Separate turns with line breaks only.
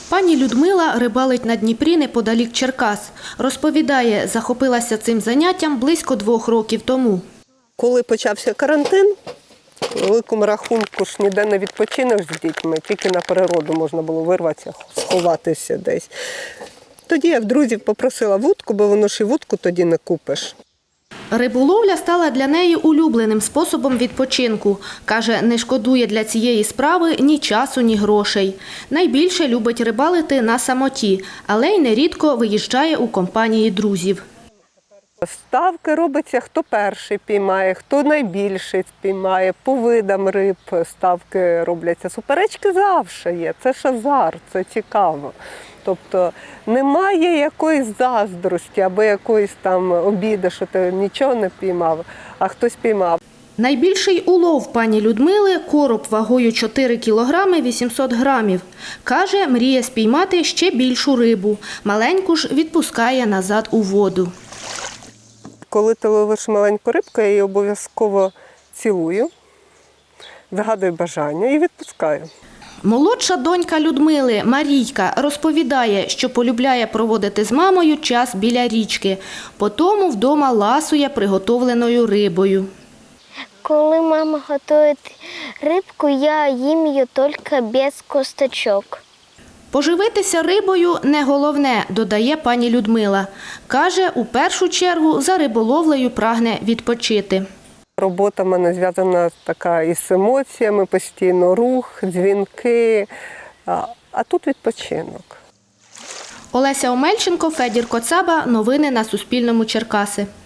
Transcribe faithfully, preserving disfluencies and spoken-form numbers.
Пані Людмила рибалить на Дніпрі неподалік Черкас. Розповідає, захопилася цим заняттям близько двох років тому.
Коли почався карантин, по великому рахунку ж ніде не відпочинеш з дітьми, тільки на природу можна було вирватися, сховатися десь. Тоді я в друзів попросила вудку, бо воно ж і вудку тоді не купиш.
Риболовля стала для неї улюбленим способом відпочинку. Каже, не шкодує для цієї справи ні часу, ні грошей. Найбільше любить рибалити на самоті, але й нерідко виїжджає у компанії друзів.
Ставки робиться, хто перший піймає, хто найбільший спіймає, по видам риб ставки робляться. Суперечки завжди є, це ж азарт, це цікаво. Тобто немає якоїсь заздрості або якоїсь там обіди, що ти нічого не піймав, а хтось піймав.
Найбільший улов пані Людмили – короб вагою чотири кілограми вісімсот грамів. Каже, мріє спіймати ще більшу рибу. Маленьку ж відпускає назад у воду.
Коли ти ловиш маленьку рибку, я її обов'язково цілую, загадую бажання і відпускаю.
Молодша донька Людмили, Марійка, розповідає, що полюбляє проводити з мамою час біля річки. Потому вдома ласує приготовленою рибою.
Коли мама готує рибку, я їм її тільки без косточок.
Поживитися рибою – не головне, додає пані Людмила. Каже, у першу чергу за риболовлею прагне відпочити.
Робота в мене зв'язана така із емоціями, постійно рух, дзвінки, а, а тут відпочинок.
Олеся Омельченко, Федір Коцаба. Новини на Суспільному. Черкаси.